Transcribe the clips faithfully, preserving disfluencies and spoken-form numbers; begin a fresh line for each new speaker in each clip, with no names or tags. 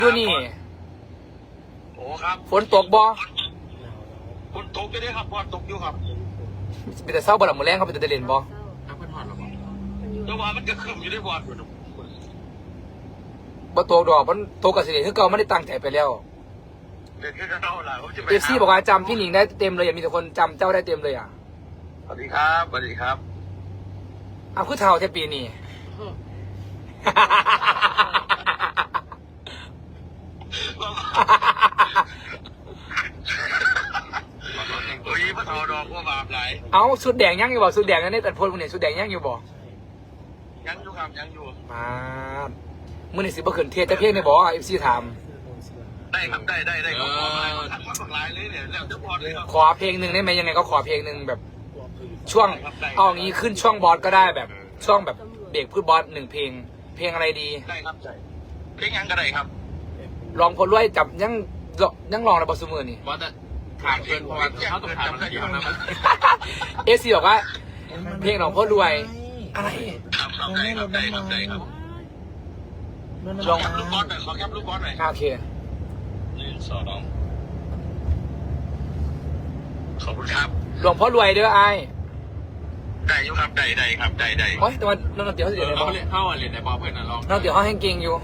ดูนี่
โอ้ครับ
ฝนตกบ่
ฝนตกอยู่ด้วยครับบอสตกอยู่ครับ
เป็นแต่เศร้าบ่หลังมือแรงเขาเป็นแต่เด่นบ่
ถ้าเพิ่นหอดหรอบ่แต่ว่ามันก็คืมอยู่ด้วยบอสอยู่นะ
บ่ตกดอกมันตกกับสิเดคือเก่าไม่ได้ตั้งใจไปแล้ว
เด็กแค่เท่าไหร่ผมจะไป
เอฟซีบอกว่าจำพี่หนิงได้เต็มเลยอย่ามีแต่คนจำเจ้าได้เต็มเลยอ่ะ
สวัสดีครับสวัสดีครับ
อ้าวคือเท่าแค่ปีนี้
โอ้ยพระทอดอกว่าบาปไหล
เอาสุดแดงยังอยู่บ่สุดแดงนั่นนี่ตัดพลมึงเนี่ยสุดแดงยังอยู่บ่
ยังอยู่ครับยังอยู่
มามึงนี่สิบ่ขึ้นเทศจะเพียงในบ่เอฟซีถาม
ได้ครับได้ได้ได้ครับขอมาทักมาสักลายเลยเนี่ยแล้วจะบอสเลยครับ
ขอเพลงหนึ่งได้ไหมยังไงก็ขอเพลงหนึ่งแบบ ช่วงเอางี้ขึ้นช่วงบอสก็ได้แบบ ช่วงแบบเบรกพูดบอสหนึ่งเพลง เพลงอะไรดี
ได้ครับเพลงยังก็ได้ครับ
ลองพลรวยจับยังยังลองระบสมือนี่
บอสจะถามเกินเพราะว่าเขาต้องถามมันเดียวนะมัน
เอซีบอกว่า เพลงของพลรวย อะไร
ครับครับได้ครับได้ครับได้ครับ
ลอง
แคปลูกบอสหน่อยขอแคปลูกบอสหน่อย
โอเค
หนึ่งสองขอบคุณครับ
หลวงพ่อรวยเด้อไอ้
ได้อยู่ครับได้ได้ครับได้ได้
โอ้ยแต่ว่าน้องเตี๋ยวเขาเสียในบอ
เขา
ส
เรียนเข้าเรียนในบอลเพื่อนนะลอง
น้องเตี๋ยวเขาแห้งเก่งอยู่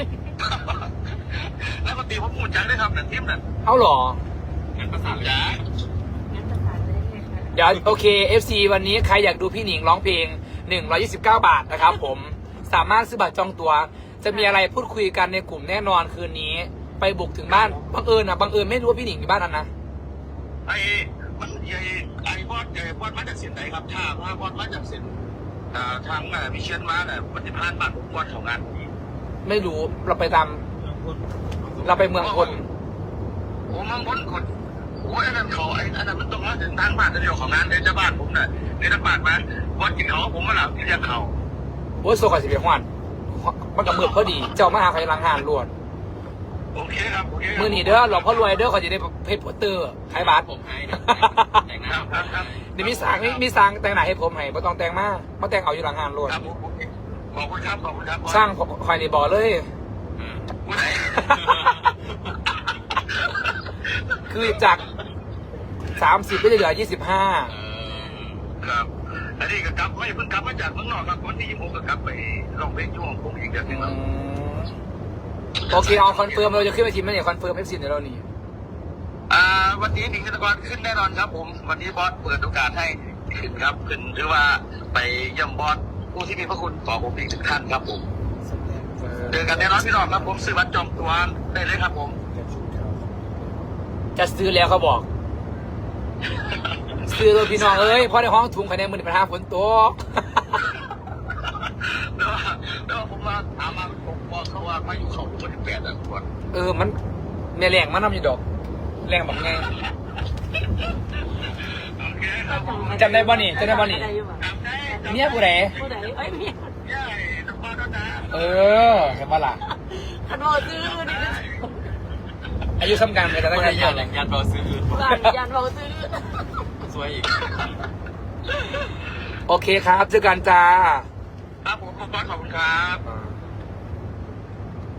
แล้วก็ตีผมพูดจังได้ครับนั่นทีมนั่น
เอาหรอ
งั้นภาษาเลย
จ้า
เดี๋ยวโอเค เอฟซี วันนี้ใครอยากดูพี่หนิงร้องเพลงหนึ่งร้อยยี่สิบเก้าบาทนะครับผม สามารถซื้อบัตรจองตัว จะมีอะไรพูดคุยกันในกลุ่มแน่นอนคืนนี้ ไปบุกถึงบ้าน บังเอิญนะบังเอิญไม่รู้ว่าพี่หนิงอยู่บ้านนั้นนะ
ไอ้มันไอ้ไอ้บอสไอ้บอสมาจากเส้นไหนครับถ้าถ้าบอสมาจากเส้นอ่าทางอ่าวิเชียนมาเนี่ยปฏิภาณบ้านผมบอสของงาน
ไม่รู้ เราไปตาม เราไปเมืองคน
โอ้มังพ้นคนโอ้ยอันนั้นเขาไอ้อันนั้นมันต้องมาถึงทางบ้านเดียวของงานในเจ้าบ้านผมน่ะในทางบ้านมาบอสกินเขาผมมาหลับที่เรียกเขา
โอ้ยโซกาสิเบียฮวนมันกับมือพอดี เจ้ามาหาใครลังหานรวด
โอเคครับโอเค
มือหนีเด้อหลวงพ่อรวยเด้อเขาจะได้เพชรโปสเตอร์ขายบัตร
ผมให้เดี๋ยวแต่งห
ค
น้า
รับครับครับ
เดี๋ยวมีสางมีมีสางแต่งหน้าให้ผมให้ไม่ต้องแต่งมากมาแต่งเอาอยู่หลังงานรวด
ครับผมโอเคขอบคุณครับขอบคุณครับบอส
สร้างคอยในบ่อเลย
ผู้ใด
คือจากสามสิบก็จะเหลือยี่สิบห้า
ครับอันนี้ก็กลับไม่เพิ่งกลับมาจากเมืองนอกครับวันที่ยี่สิบหกก็กลับไปลองเพลงช่วงผมอีกเดือนหนึงครับ
โอเคเอาคอนเฟิร์มเราจะขึ้นไปทีมไหมเนี่ยคอนเฟิร์มเอฟซีเดี๋ยวเรานี่
อ่าวันนี้หนิงธนกรขึ้นแน่นอนครับผมวันนี้บอสเปิดโอกาสให้ขึ้นครับขึ้นหรือว่าไปเยี่ยมบอสผู้ที่มีพระคุณต่อผมอีกหนึ่งท่านครับผมเจอกันแน่นอนพี่น้องครับผมซื้อบัตรจองตัวได้เลยครับผม
จะซื้อแล้วเขาบอก ซื้อเลยพี่น้องเอ้ยเพราะในห้องถุงภายในมือปัญหาฝนตก
แล้วแล้วผมมาถามมาผมบอกเขาว่ามาอยู่เขาคนที่แปดอ่ะคน
เออมันแม่แรงมันนำอยู่ดอกแรงแบบไง
โอเคครับผม
จำได้บ่นี่จำได้บ่นี่
จำได้จำได้
เนี่ยผู้ใด
ผู้ใดเอ้ยเมีย
ใช่ต้องมาแล้วนะ
เออเห็นปะล่ะ
ขันโมซื้อนี่
อายุซ้ำกันเลยแต่
ไม่
ตั้ง
ได้
ใจ
ยันยันบอลซื้อ
บ้านยันโมซื้อ
สวยอีก
โอเคครับเจอกันจ้า
ครับผมบอสขอบคุณครับ
อ่า